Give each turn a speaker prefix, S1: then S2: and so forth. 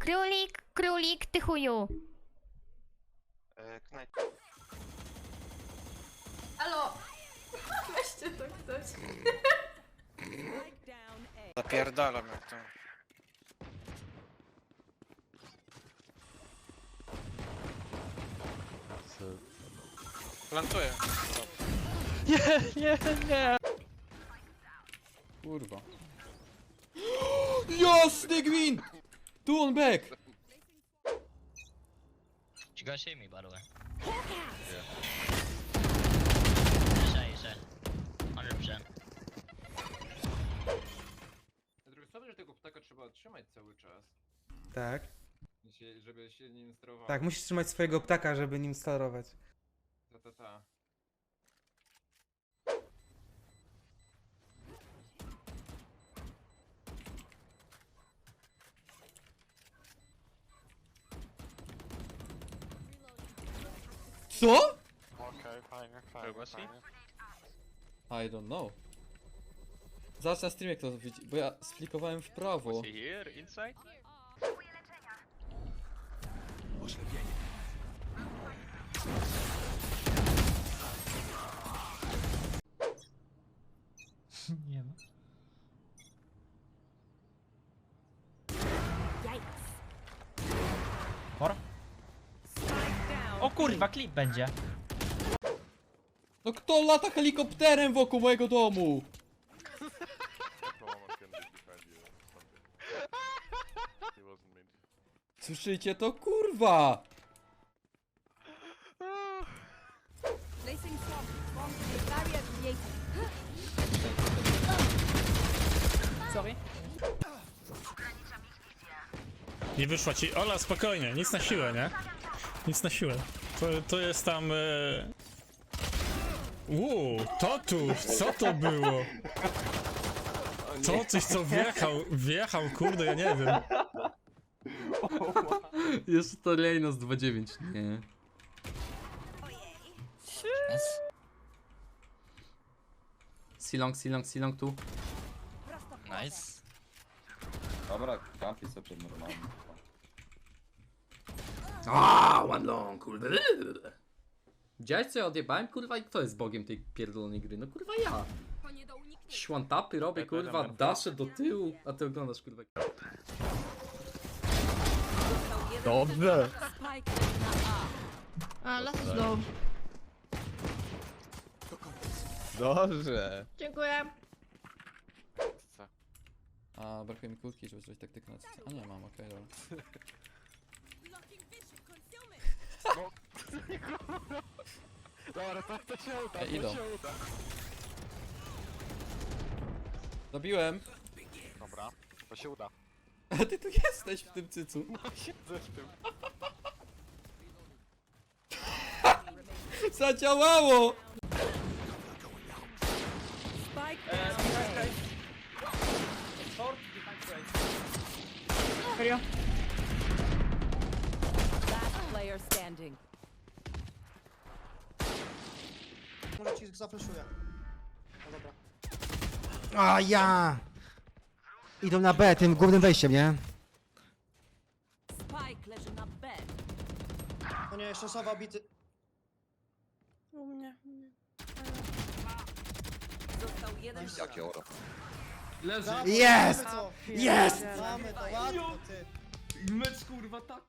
S1: Królik, królik, ty chuju.
S2: Halo! Weźcie to ktoś.
S3: Zapierdalam jak to. Plantuję.
S4: Kurwa. Jasny gwint! Tu on back!
S5: You guys see me, by the way? Yeah. 100%.
S6: Z drugiej strony, że tego ptaka trzeba trzymać cały czas,
S7: Tak.
S6: żeby się nim sterowało.
S7: Tak, musisz trzymać swojego ptaka, żeby nim sterować.
S6: Ta.
S4: Co?
S3: Okej, fajnie,
S5: Where was he?
S4: I don't know. Zaraz na streamie kto to widzi, bo ja sflikowałem w prawo.
S5: Here, inside?
S8: Nie ma. Por? O kurwa, klip będzie.
S4: No kto lata helikopterem wokół mojego domu? Słyszycie to, kurwa?
S8: Sorry.
S9: Nie wyszła ci. Ola, spokojnie, nic na siłę, nie? Nic na siłę. To jest tam. Totów, co to było? To coś co wjechał, kurde, ja nie wiem.
S4: Jest to Lejnos 2.9, nie. Silong tu.
S5: Nice.
S10: Dobra, kampi sobie normalnie.
S4: One long, kurwa. Widziałeś co ja odjebałem, kurwa, i kto jest bogiem tej pierdolonej gry? No kurwa ja. Szłantapy robię, kurwa, daszę do tyłu, a ty oglądasz, kurwa.
S9: Dobrze.
S2: A, las is low.
S9: Dobrze.
S2: Dziękuję.
S4: A, brakuje mi kłódki, żeby zrobić taktykę na cycie. A nie mam, okej, dobra.
S3: Dobra, to się uda,
S4: Idą. Zabiłem.
S3: Dobra, to się uda.
S4: A ty tu jesteś w tym cycu.
S3: Siedzę w tym.
S4: Zadziałało!
S8: Serio?
S2: Player standing.
S11: Może ci zafreszuję. No dobra.
S7: A ja! Idą na B, tym głównym wejściem, nie?
S2: Spike leży na B.
S11: O nie, jeszcze Sowa bity.
S2: U mnie. Został jeden.
S10: Jakie oro.
S4: Leży.
S7: Jest!
S11: Mamy to.
S7: Jest!
S11: Mamy to, łatwo ty.
S6: Mecz kurwa tak.